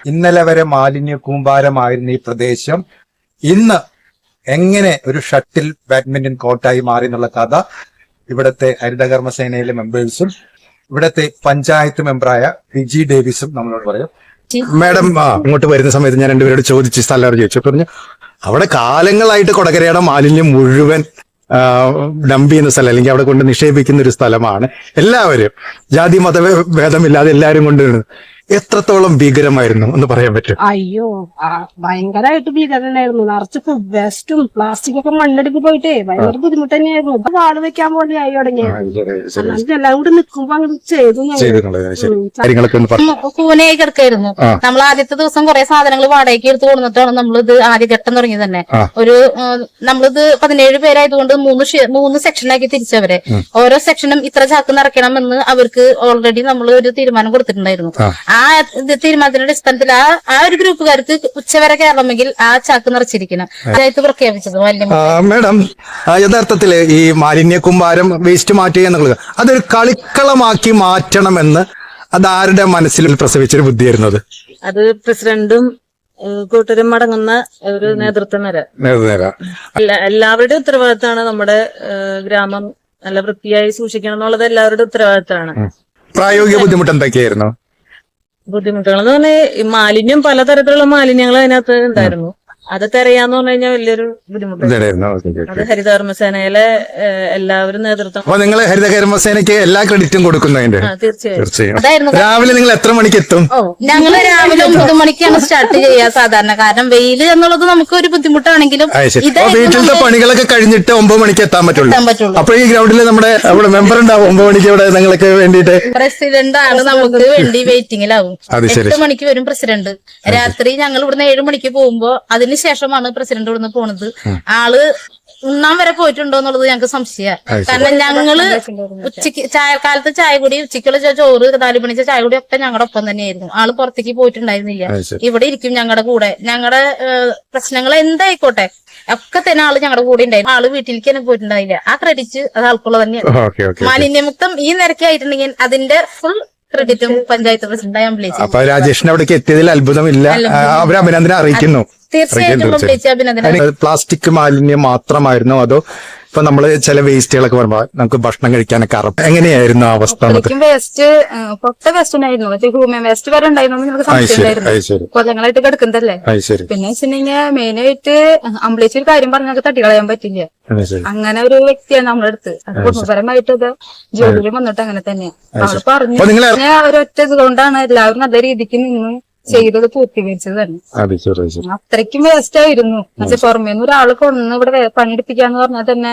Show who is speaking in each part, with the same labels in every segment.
Speaker 1: ഇന്നലെ വരെ മാലിന്യ കൂമ്പാരമായിരുന്ന ഈ പ്രദേശം ഇന്ന് എങ്ങനെ ഒരു ഷട്ടിൽ ബാഡ്മിന്റൺ കോർട്ടായി മാറി എന്നുള്ള കഥ ഇവിടുത്തെ ഹരിതകർമ്മസേനയിലെ മെമ്പേഴ്സും ഇവിടുത്തെ പഞ്ചായത്ത് മെമ്പറായ വിജി ഡേവിസും നമ്മളോട് പറയും. മാഡം ഇങ്ങോട്ട് വരുന്ന സമയത്ത് ഞാൻ രണ്ടുപേരോട് ചോദിച്ചു, സ്ഥലം ചോദിച്ചു, പറഞ്ഞു അവിടെ കാലങ്ങളായിട്ട് കൊടകരയുടെ മാലിന്യം മുഴുവൻ ഡംപ് ചെയ്യുന്ന സ്ഥലം, അല്ലെങ്കിൽ അവിടെ കൊണ്ട് നിക്ഷേപിക്കുന്ന ഒരു സ്ഥലമാണ്. എല്ലാവരും ജാതി മത ഭേദമില്ലാതെ എല്ലാവരും കൊണ്ടുവരുന്നത്. എത്രത്തോളം ഭീകരമായിരുന്നു എന്ന് പറയാൻ പറ്റും?
Speaker 2: അയ്യോ, ഭയങ്കരമായിട്ട് ഭീകരനായിരുന്നു. നിറച്ച് ഫുഡ് വേസ്റ്റും പ്ലാസ്റ്റിക് ഒക്കെ മണ്ണെടുക്ക് പോയിട്ടേ ഭയങ്കര ബുദ്ധിമുട്ട് തന്നെയായിരുന്നു. ഇപ്പൊ വാള് വെക്കാൻ പോലെ ആയി തുടങ്ങിയത്. എല്ലാം കൂടി നിൽക്കുമ്പോ അങ്ങോട്ട്
Speaker 3: കൂനയായി കിടക്കായിരുന്നു. നമ്മൾ ആദ്യത്തെ ദിവസം കുറെ സാധനങ്ങൾ വാടകയ്ക്ക് എടുത്ത് കൊടുത്തിട്ടാണ് നമ്മളിത് ആദ്യഘട്ടം തുടങ്ങി തന്നെ. നമ്മളിത് 17 പേരായതുകൊണ്ട് മൂന്ന് സെക്ഷനാക്കി തിരിച്ചവരെ. ഓരോ സെക്ഷനും ഇത്ര ചാക്ക് നിറയ്ക്കണമെന്ന് അവർക്ക് ഓൾറെഡി നമ്മൾ ഒരു തീരുമാനം കൊടുത്തിട്ടുണ്ടായിരുന്നു. ആ തീരുമാനത്തിന്റെ അടിസ്ഥാനത്തിൽ ആ ഒരു ഗ്രൂപ്പുകാർക്ക് ഉച്ചവരെ കയറണമെങ്കിൽ ആ ചാക്ക് നിറച്ചിരിക്കണം. അതായത് പ്രഖ്യാപിച്ചത്
Speaker 1: മാഡം. യഥാർത്ഥത്തില് ഈ മാലിന്യ കൂമ്പാരം വേസ്റ്റ് മാറ്റുക എന്നുള്ളത് അതൊരു കളിക്കളമാക്കി മാറ്റണമെന്ന് അതാരുടെ മനസ്സിൽ പ്രസവിച്ചൊരു ബുദ്ധിയായിരുന്നത്?
Speaker 4: അത് പ്രസിഡന്റും കൂട്ടരും അടങ്ങുന്ന ഒരു നേതൃത്വം എല്ലാവരുടെയും ഉത്തരവാദിത്തമാണ്. നമ്മുടെ ഗ്രാമം നല്ല വൃത്തിയായി സൂക്ഷിക്കണം എന്നുള്ളത് എല്ലാവരുടെ ഉത്തരവാദിത്തമാണ്.
Speaker 1: പ്രായോഗിക ബുദ്ധിമുട്ട് എന്തൊക്കെയായിരുന്നു?
Speaker 4: ബുദ്ധിമുട്ടുകൾ എന്ന് പറഞ്ഞാൽ മാലിന്യം, പലതരത്തിലുള്ള മാലിന്യങ്ങൾ അതിനകത്ത് ഉണ്ടായിരുന്നു. അത് തെരയാന്ന് പറഞ്ഞു കഴിഞ്ഞാൽ വലിയൊരു ബുദ്ധിമുട്ടായിരുന്നു. അത് ഹരിതകർമ്മസേനയിലെ എല്ലാവരും നേതൃത്വം.
Speaker 1: അപ്പൊ നിങ്ങൾ ഹരിതകർമ്മസേനയ്ക്ക് എല്ലാ ക്രെഡിറ്റും കൊടുക്കുന്നതിന്റെ?
Speaker 4: തീർച്ചയായും.
Speaker 1: രാവിലെ നിങ്ങൾ എത്ര മണിക്ക് എത്തും?
Speaker 3: ഞങ്ങള് രാവിലെ 9 മണിക്കാണ് സ്റ്റാർട്ട് ചെയ്യുക സാധാരണ. കാരണം വെയില് എന്നുള്ളത് നമുക്ക് ഒരു ബുദ്ധിമുട്ടാണെങ്കിലും
Speaker 1: വീട്ടിലത്തെ പണികളൊക്കെ കഴിഞ്ഞിട്ട് 9 മണിക്ക് എത്താൻ പറ്റുള്ളൂ. അപ്പൊ ഈ ഗ്രൗണ്ടിൽ നമ്മുടെ മെമ്പർ ഉണ്ടാവും 9 മണിക്ക് ഇവിടെ നിങ്ങൾക്ക് വേണ്ടിട്ട്.
Speaker 3: പ്രസിഡന്റ് ആണ് നമുക്ക് വേണ്ടി വെയിറ്റിംഗിലാവും. 8 മണിക്ക് വരും പ്രസിഡന്റ്. രാത്രി ഞങ്ങൾ ഇവിടുന്ന് 7 മണിക്ക് പോകുമ്പോ അതിന് ശേഷമാണ് പ്രസിഡന്റ് ഇവിടുന്ന് പോണത്. ആള് ഉണ്ണാൻ വരെ പോയിട്ടുണ്ടോ എന്നുള്ളത് ഞങ്ങൾക്ക് സംശയമാണ്. കാരണം ഞങ്ങള് ഉച്ചക്ക് കാലത്ത് ചായ കൂടി, ഉച്ചക്കുള്ള ചോറ്, 4 മണിച്ച ചായ കൂടി ഒക്കെ ഞങ്ങളുടെ ഒപ്പം തന്നെയായിരുന്നു. ആള് പുറത്തേക്ക് പോയിട്ടുണ്ടായിരുന്നില്ല. ഇവിടെ ഇരിക്കും ഞങ്ങളുടെ കൂടെ. ഞങ്ങളുടെ പ്രശ്നങ്ങൾ എന്തായിക്കോട്ടെ ഒക്കെ തന്നെ ആള് ഞങ്ങളുടെ കൂടെ ഉണ്ടായിരുന്നു. ആള് വീട്ടിലേക്ക് തന്നെ പോയിട്ടുണ്ടായില്ല. ആ ക്രെഡിറ്റ് അത് ആൾക്കുള്ള തന്നെയാണ്. മാലിന്യമുക്തം ഈ നിരക്കായിട്ടുണ്ടെങ്കിൽ അതിന്റെ ഫുൾ ക്രെഡിറ്റും പഞ്ചായത്ത് പ്രസിഡന്റായി അംബിലേച്ചി.
Speaker 1: അപ്പൊ രാജേഷിന് അവിടേക്ക് എത്തിയതിൽ അത്ഭുതമില്ല. അവർ അഭിനന്ദനം അറിയിക്കുന്നു.
Speaker 3: തീർച്ചയായിട്ടും.
Speaker 1: പ്ലാസ്റ്റിക് മാലിന്യം മാത്രമായിരുന്നോ അതോ ഇപ്പൊ നമ്മള് ചില വേസ്റ്റുകളൊക്കെ വരുമ്പോ നമുക്ക് ഭക്ഷണം കഴിക്കാനൊക്കെ എങ്ങനെയായിരുന്നു അവസ്ഥ?
Speaker 2: വേസ്റ്റ് പൊട്ട വേസ്റ്റ് ഉണ്ടായിരുന്നു. ഹ്യൂമൻ വേസ്റ്റ് വരെ ഉണ്ടായിരുന്നു. നമുക്ക് സംശയമായിരുന്നു. കൊല്ലങ്ങളായിട്ട് കിടക്കുന്നതല്ലേ. പിന്നെ വെച്ചിട്ടുണ്ടെങ്കിൽ മെയിനായിട്ട് അമ്പളേച്ചി ഒരു കാര്യം പറഞ്ഞാൽ തട്ടിക്കളയാൻ പറ്റില്ല. അങ്ങനെ ഒരു വ്യക്തിയാണ് നമ്മുടെ അടുത്ത്. കുടുംബപരമായിട്ട് അത് ജോലിയിൽ വന്നിട്ട് അങ്ങനെ തന്നെയാണ്. അവള് പറഞ്ഞു ഒരൊറ്റ ഇതുകൊണ്ടാണ് എല്ലാവരും നല്ല രീതിക്ക് നിന്ന് ചെയ്തത് പൂർത്തീകരിച്ചത് തന്നെ. അത്രയ്ക്കും വേസ്റ്റ് ആയിരുന്നു. പുറമേന്ന് ഒരാള് കൊണ്ടുവന്ന് ഇവിടെ പണിയെടുപ്പിക്കാന്ന് പറഞ്ഞാൽ തന്നെ.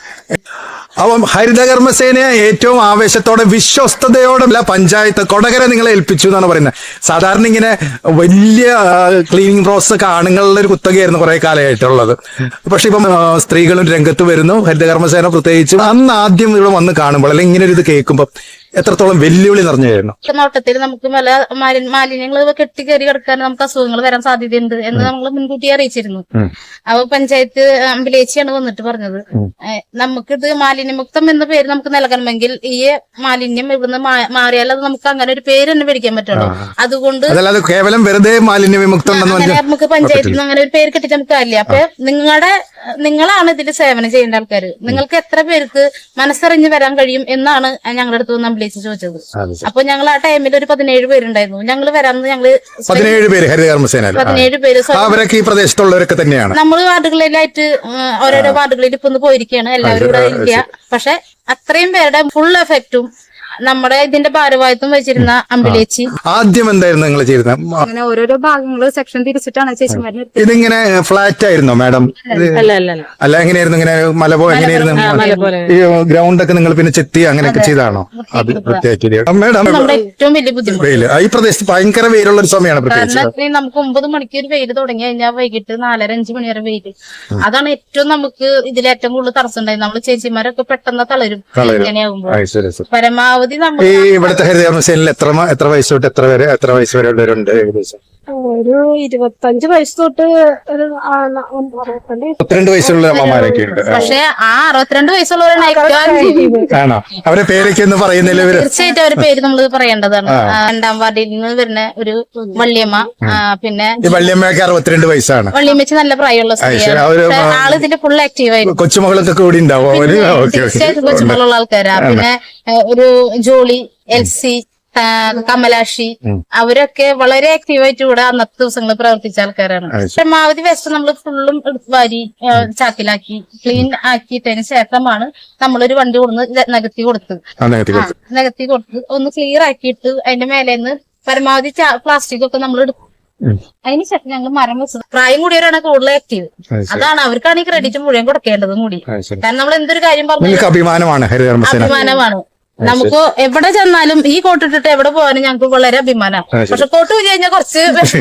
Speaker 1: അപ്പം ഹരിതകർമ്മസേനയെ ഏറ്റവും ആവേശത്തോടെ വിശ്വസ്തയോടെ പഞ്ചായത്ത് കൊടകര നിങ്ങളെ ഏൽപ്പിച്ചു എന്നാണ് പറയുന്നത്. സാധാരണ ഇങ്ങനെ വലിയ ക്ലീനിങ് പ്രോസസ് ഒക്കെ ആണുങ്ങളുടെ ഒരു കുത്തകയായിരുന്നു കുറെ കാലമായിട്ടുള്ളത്. പക്ഷെ ഇപ്പം സ്ത്രീകളും രംഗത്ത് വരുന്നു. ഹരിതകർമ്മസേന പ്രത്യേകിച്ച് അന്ന് ആദ്യം ഇവിടെ വന്ന് കാണുമ്പോൾ അല്ലെങ്കിൽ ഇങ്ങനെ ഒരു ഇത് കേൾക്കുമ്പോൾ എത്രത്തോളം വെല്ലുവിളി നിറഞ്ഞായിരുന്നു?
Speaker 3: നോട്ടത്തിൽ നമുക്ക് മാലിന്യങ്ങൾ കെട്ടിക്കയറി കിടക്കാൻ നമുക്ക് അസുഖങ്ങൾ വരാൻ സാധ്യതയുണ്ട് എന്ന് നമ്മൾ മുൻകൂട്ടി അറിയിച്ചിരുന്നു. അപ്പൊ പഞ്ചായത്ത് അമ്പലേച്ചിയാണ് വന്നിട്ട് പറഞ്ഞത്, നമുക്കിത് മാലിന്യമുക്തം എന്ന പേര് നമുക്ക് നൽകണമെങ്കിൽ ഈ മാലിന്യം ഇവിടുന്ന് മാറിയാൽ അത് നമുക്ക് അങ്ങനെ ഒരു പേര് തന്നെ മേടിക്കാൻ പറ്റുള്ളൂ. അതുകൊണ്ട്
Speaker 1: കേവലം വെറുതെ മാലിന്യ വിമുക്തം
Speaker 3: നമുക്ക് പഞ്ചായത്തിൽ നിന്ന് അങ്ങനെ ഒരു പേര് കിട്ടിയിട്ട് നമുക്ക് കാര്യമില്ല. അപ്പൊ നിങ്ങളാണ് ഇതിൽ സേവനം ചെയ്യേണ്ട ആൾക്കാർ. നിങ്ങൾക്ക് എത്ര പേർക്ക് മനസ്സറിഞ്ഞ് വരാൻ കഴിയും എന്നാണ് ഞങ്ങളുടെ അടുത്ത് നിന്ന് അമ്പലേച്ചി ചോദിച്ചത്. അപ്പൊ ഞങ്ങൾ ആ ടൈമിൽ ഒരു 17 പേരുണ്ടായിരുന്നു. ഞങ്ങൾ വരാമെന്ന്
Speaker 1: 17 പേര് ഹരിതകർമ്മസേന 17 പേര് അവരൊക്കെ ഈ പ്രദേശത്തുള്ളവരൊക്കെ തന്നെയാണ്.
Speaker 3: നമ്മൾ വാർഡുകളിലായിട്ട് ഓരോരോ വാർഡുകളിൽ ഇപ്പൊ ഒന്ന് പോയിരിക്കുകയാണ്. എല്ലാവരും ഇവിടെ ഇല്ല. പക്ഷെ അത്രയും പേരുടെ ഫുൾ എഫക്റ്റും നമ്മുടെ ഇതിന്റെ ഭാരവാഹിത്വം വെച്ചിരുന്ന അമ്പലേച്ചി.
Speaker 1: ആദ്യം എന്തായിരുന്നു നിങ്ങൾ ചെയ്തത്?
Speaker 2: അങ്ങനെ ഓരോരോ ഭാഗങ്ങള് സെക്ഷൻ തിരിച്ചിട്ടാണ് ചേച്ചിമാരെ.
Speaker 1: ഇതിങ്ങനെ ഫ്ലാറ്റ് ആയിരുന്നോ മാഡം? അല്ല, എങ്ങനെയായിരുന്നു? ഇങ്ങനെ മല പോലെ എങ്ങനെയായിരുന്നു? ഈ ഗ്രൗണ്ട് ഒക്കെ നിങ്ങൾ പിന്നെ ചെത്തി അങ്ങനെയൊക്കെ ചെയ്താണോ? അത് പ്രത്യേകിച്ച് മാഡം
Speaker 3: ഏറ്റവും വലിയ ബുദ്ധിമുട്ട്
Speaker 1: ഈ പ്രദേശത്ത് ഭയങ്കര വെയിലുള്ള ഒരു സമയമാണ്. പ്രത്യേകിച്ച്
Speaker 3: നമുക്ക് 9 മണിക്ക് ഒരു വെയിൽ തുടങ്ങി കഴിഞ്ഞാൽ വൈകിട്ട് 4:30-5 മണി വരെ വെയിൽ. അതാണ് ഏറ്റവും നമുക്ക് ഇതിലേറ്റവും കൂടുതൽ തടസ്സം ഉണ്ടായത്. നമ്മള് ചേച്ചിമാരൊക്കെ പെട്ടെന്ന് തളരും ഇങ്ങനെയാകുമ്പോൾ. പരമാവധി
Speaker 1: ഈ ഇവിടുത്തെ ഹരിതകർമ്മസേനയിൽ എത്ര വയസ്സ് തൊട്ട് എത്ര വയസ്സ് വരെ ഉള്ളവരുണ്ട് ഏകദേശം?
Speaker 5: ഒരു 25 വയസ്സ് തൊട്ട് ഒരു
Speaker 1: 32 വയസ്സുള്ള അമ്മമാരൊക്കെ ഉണ്ട്.
Speaker 3: പക്ഷെ ആ 62 വയസ്സുള്ളവരാണ്
Speaker 1: ആണോ? അവരെ പേരൊക്കെ ഒന്ന് പറയുന്നില്ല ഇവര്?
Speaker 3: തീർച്ചയായിട്ടും അവരുടെ പേര് നമ്മൾ പറയേണ്ടതാണ്. 2ാം വാർഡിൽ നിന്ന് വരുന്ന ഒരു വള്ളിയമ്മ. പിന്നെ
Speaker 1: ഈ വള്ളിയമ്മയൊക്കെ 62 വയസ്സാണ്.
Speaker 3: വള്ളിയമ്മച്ച് നല്ല പ്രായമുള്ള സ്ത്രീയാണ്. ആള് ഇതിന്റെ ഫുൾ ആക്റ്റീവ് ആയിരുന്നു.
Speaker 1: കൊച്ചുമകളൊക്കെ കൂടി ഉണ്ടാവും അവര്?
Speaker 3: തീർച്ചയായിട്ടും കൊച്ചുമകളുള്ള ആൾക്കാരാ. പിന്നെ ഒരു ജോളി, എൽസി, കമലാക്ഷി, അവരൊക്കെ വളരെ ആക്റ്റീവായിട്ട് ഇവിടെ അന്നത്തെ ദിവസങ്ങളിൽ പ്രവർത്തിച്ച ആൾക്കാരാണ്. പരമാവധി വേസ്റ്റ് നമ്മൾ ഫുള്ളും വാരി ചാക്കിലാക്കി ക്ലീൻ ആക്കിയിട്ടതിന് ശേഷമാണ് നമ്മളൊരു വണ്ടി കൊടുന്ന് നികത്തി കൊടുത്ത് ഒന്ന് ക്ലിയർ ആക്കിയിട്ട് അതിന്റെ മേലേന്ന് പരമാവധി പ്ലാസ്റ്റിക് ഒക്കെ നമ്മൾ എടുക്കും. അതിനുശേഷം ഞങ്ങൾ മരം വെച്ചത്. പ്രായം കൂടിയവരാണ് കൂടുതൽ ആക്റ്റീവ്. അതാണ് അവർക്കാണ് ഈ ക്രെഡിറ്റ് മുഴുവൻ കൊടുക്കേണ്ടതും കൂടി. കാരണം നമ്മൾ എന്തൊരു കാര്യം പറഞ്ഞു അഭിമാനമാണ്. നമുക്ക് എവിടെ ചെന്നാലും ഈ കോട്ടിട്ടിട്ട് എവിടെ പോകാനും ഞങ്ങൾക്ക് വളരെ അഭിമാനമാണ്. പക്ഷെ കോട്ട് പോയി കഴിഞ്ഞാൽ കുറച്ച്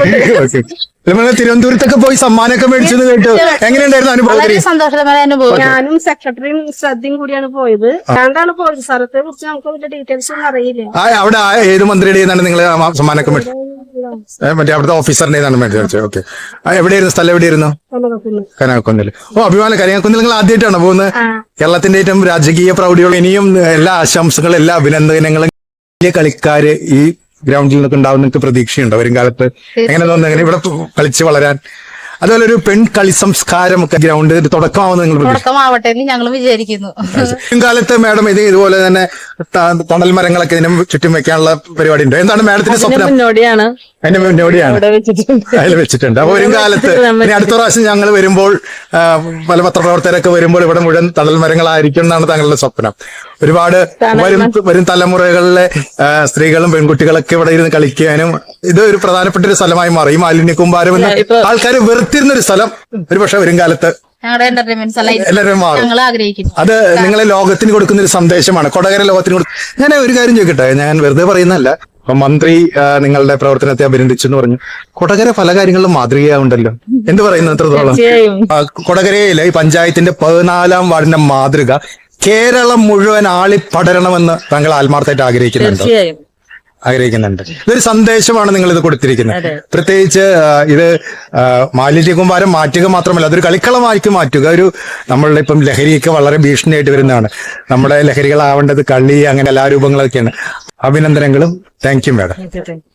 Speaker 1: തിരുവനന്തപുരത്തൊക്കെ പോയി സമ്മാനമൊക്കെ മേടിച്ചെന്ന് കേട്ടു. എങ്ങനെയുണ്ടായിരുന്നു അനുഭവം?
Speaker 3: വളരെ സന്തോഷകരമായ അനുഭവം.
Speaker 5: ഞാനും സെക്രട്ടറിയും ശ്രദ്ധയും കൂടിയാണ് പോയത്. രണ്ടാണ് പോയത്. സ്ഥലത്തെ കുറിച്ച് നമുക്ക് അതിന്റെ ഡീറ്റെയിൽസ് ഒന്നും അറിയില്ല.
Speaker 1: അവിടെ ഏത് മന്ത്രിയുടെ നിങ്ങൾ സമ്മാനമൊക്കെ മേടിച്ചു? മറ്റേ അവിടുത്തെ ഓഫീസറിന്റെ മേടിച്ചു. ഓക്കെ. എവിടെയായിരുന്നു സ്ഥലം? എവിടെയായിരുന്നു? കനകക്കുന്നിൽ. അഭിമാനം. കനകക്കുന്നിൽ നിങ്ങൾ ആദ്യമായിട്ടാണോ പോകുന്നത്? കേരളത്തിന്റെ ഏറ്റവും രാജകീയ പ്രൗഢിയുള്ള ഇനിയും എല്ലാ ആശംസകളും എല്ലാ അഭിനന്ദനങ്ങളും. വലിയ കളിക്കാര് ഈ ഗ്രൗണ്ടിൽ നിന്നൊക്കെ ഉണ്ടാവും നിങ്ങൾക്ക് പ്രതീക്ഷയുണ്ടോ വരും കാലത്ത്? എങ്ങനെ തോന്നുന്നു എങ്ങനെ ഇവിടെ കളിച്ച് വളരാൻ? അതുപോലെ ഒരു പെൺ കളി സംസ്കാരം ഒക്കെ ഗ്രൗണ്ട് തുടക്കമാവുന്ന നിങ്ങൾ
Speaker 3: തുടക്കമാവട്ടെ എന്ന് ഞങ്ങൾ വിചാരിക്കുന്നു.
Speaker 1: കാലത്ത് മാഡം ഇതുപോലെ തന്നെ തണൽ മരങ്ങളൊക്കെ ഇതിനും ചുറ്റും വെക്കാനുള്ള പരിപാടി ഉണ്ട്. എന്താണ് മാഡത്തിന്റെ സ്വപ്നം?
Speaker 4: മുന്നോടിയാണ്
Speaker 1: അതിന്റെ മുന്നോടിയാണ് അതിൽ വെച്ചിട്ടുണ്ട്. അപ്പൊ വരും കാലത്ത് ഇനി അടുത്ത പ്രാവശ്യം ഞങ്ങൾ വരുമ്പോൾ പല പത്രപ്രവർത്തകരൊക്കെ വരുമ്പോൾ ഇവിടെ മുഴുവൻ തണൽ മരങ്ങളായിരിക്കും എന്നാണ് താങ്കളുടെ സ്വപ്നം. ഒരുപാട് വരും തലമുറകളിലെ സ്ത്രീകളും പെൺകുട്ടികളൊക്കെ ഇവിടെ ഇരുന്ന് കളിക്കാനും ഇത് ഒരു പ്രധാനപ്പെട്ട ഒരു സ്ഥലമായി മാറി. ഈ മാലിന്യ കൂമ്പാരം എന്ന് ആൾക്കാർ വെറുത്തിരുന്ന ഒരു സ്ഥലം ഒരുപക്ഷെ വരും കാലത്ത് എല്ലാവരും മാറും. അത് നിങ്ങളെ ലോകത്തിന് കൊടുക്കുന്ന ഒരു സന്ദേശമാണ്. കൊടകര ലോകത്തിന് കൊടുക്കും. ഞാൻ ഒരു കാര്യം ചോദിക്കട്ടെ, ഞാൻ വെറുതെ പറയുന്നതല്ല. അപ്പൊ മന്ത്രി നിങ്ങളുടെ പ്രവർത്തനത്തെ അഭിനന്ദിച്ചു എന്ന് പറഞ്ഞു. കൊടകര പല കാര്യങ്ങളിലും മാതൃകയാവുണ്ടല്ലോ. എന്ത് പറയുന്നു? എത്രത്തോളം കൊടകരയിലെ ഈ പഞ്ചായത്തിന്റെ 14ാം വാർഡിന്റെ മാതൃക കേരളം മുഴുവൻ ആളിപ്പടരണമെന്ന് താങ്കൾ ആത്മാർത്ഥമായിട്ട് ആഗ്രഹിക്കുന്നുണ്ട്. ഇതൊരു സന്ദേശമാണ് നിങ്ങൾ ഇത് കൊടുത്തിരിക്കുന്നത്. പ്രത്യേകിച്ച് ഇത് മാലിന്യ കൂമ്പാരം മാറ്റുക മാത്രമല്ല, അതൊരു കളിക്കളമാക്കി മാറ്റുക. ഒരു നമ്മളുടെ ഇപ്പം ലഹരിയൊക്കെ വളരെ ഭീഷണിയായിട്ട് വരുന്നതാണ്. നമ്മുടെ ലഹരികളാവേണ്ടത് കളി, അങ്ങനെ കലാരൂപങ്ങളൊക്കെയാണ്. അഭിനന്ദനങ്ങളും. Thank you madam.